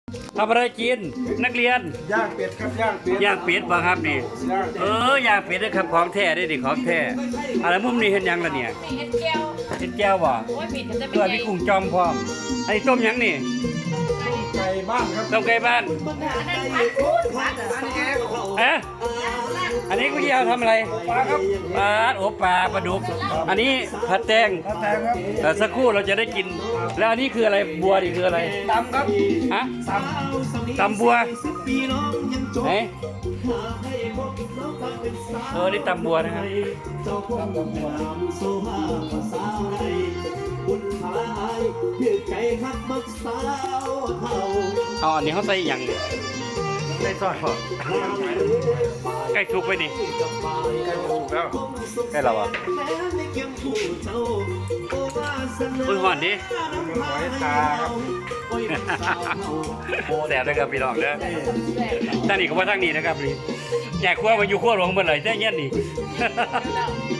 ทำอะไรกินนักเรียนย่างเป็ดครับย่างเป็ดย่างเป็ดบ่ครับนี่ย่างเป็ดย่างเป็ดนะครับของแท้ได้ดิของแท้อะไรมุมนี้เห็นยังล่ะเนี่ยมีเอ็นแก้วเห็นแก้วบ่โอ้ยผิดจะเป็นตัวไงพี่กุ้งจอมพร้อมไอ้ต้มยังนี่ไก่บ้านครับต้มไก่บ้านอันนั้นพัดพูดพัดเอ๊ะอันนี้กูจะเอาทำอะไรปลาครับปลาโอ้ปลาปลาดุกอันนี้ผัดแตงปลาแตงครับสักครู่เราจะได้กิน แล้วอันนี้คืออะไรบัวนี่คืออะไรตำครับฮะตตำบัวไหนนี่ตำบัวนะครับเอาอันนี้เขาใส่อย่างนี้ใส่ซอสพอใกล้สุกไปนี่ำไก่ถูกแล้วใกล้เราอ่ะอุ้ยหอนดิหอยตาครับแสบเลยครับพี่น้องเด้อท่านนี่ก็ว่าทางนี้นะครับนี่อยากครัวมาอยู่ครัวหลวงเมื่อไหร่ได้เงี้ยนี่